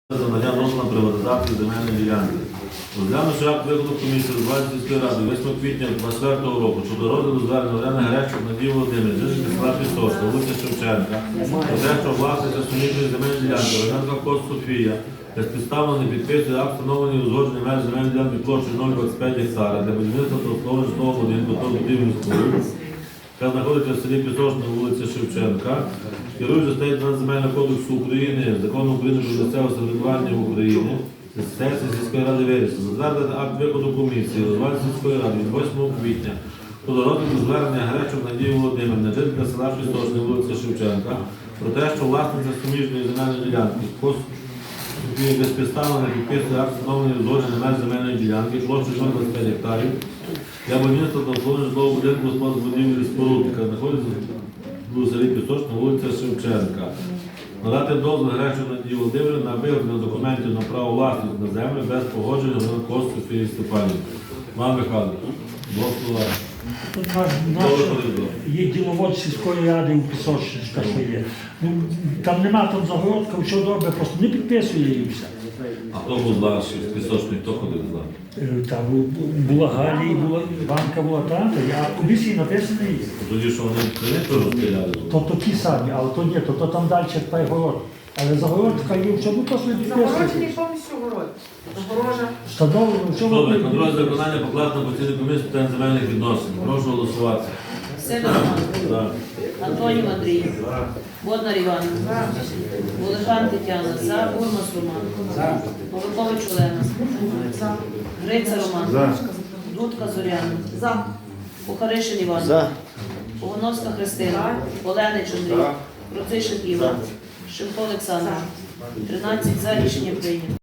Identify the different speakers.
Speaker 1: За надання дозволу на приватизацію земельної ділянки. Розглянувши акт виконку комісії з 20 сільської ради 8 квітня 2024 року щодо розгляду звернення Олени Гречук Надії Володимирівни, жительки села Пісочка, вулиця Шевченка, про те, що власниця суміжної земельної ділянки Романенко Кот Софія безпідставно не підписує акт встановлення і узгодження меж земельної ділянки площею 0,25 гектара для будівництва та обслуговування житлового будинку та будівельних споруд, яка знаходиться в селі Пісочна, вулиця Шевченка, керуючи статтею 12 Земельного кодексу України, Закону України про місцеве самоврядування в Україні, сесія сільської ради вирішила затвердити акт виконку комісії розвитку сільської ради від 8 квітня щодо розгляду звернення Гречук Надії Володимирівни, жителька села Пісочна, вулиця Шевченка, про те, що власниця суміжної земельної ділянки безпідставно не підписує акт встановлення узгодження меж земельної ділянки площею 0,25 гектарів для будівництва та обслуговування житлового будинку господарських будівель і споруд, яка знаходиться у селі Пісочна, вулиця Шевченка. Надати дозвіл Гречук Надії Володимирівни на виготовлення документів на право власності на землю без погодження Романенко Софії Степанівни. Іван Михайлович, двох слова.
Speaker 2: Тут є діловод сільської ради у Пісочницька, що є. Ну, там нема там загородка, що добре, просто не підписує її все.
Speaker 1: А хто був злаший з Пісочної, хто ходив з нами?
Speaker 2: Там була Галія, була Іванка, була та, а в комісії написано є.
Speaker 1: Тоді, що вони теж розстріляли?
Speaker 2: То ті самі, але то ні, то там далі перегород. Але загородка є, що ну просто не
Speaker 3: Загороджений
Speaker 2: підписує.
Speaker 3: повністю город. Загорожа.
Speaker 2: Встановлено, що
Speaker 1: Добре, контроль за виконання покладено на постійну комісію з питань земельних відносин. Прошу голосувати.
Speaker 4: Сидор Роман,
Speaker 1: За.
Speaker 4: Антонів Андрій, Боднар Іван, Волошан Тетяна, за, Бурмас Роман, Павликович Олена, Гриця Роман, Дудка Зоряна, Кухаришин Іван, Погоновська Христина, Оленич Андрій, Процишин Іван, Шимко Олександр. 13 за, рішення прийнято.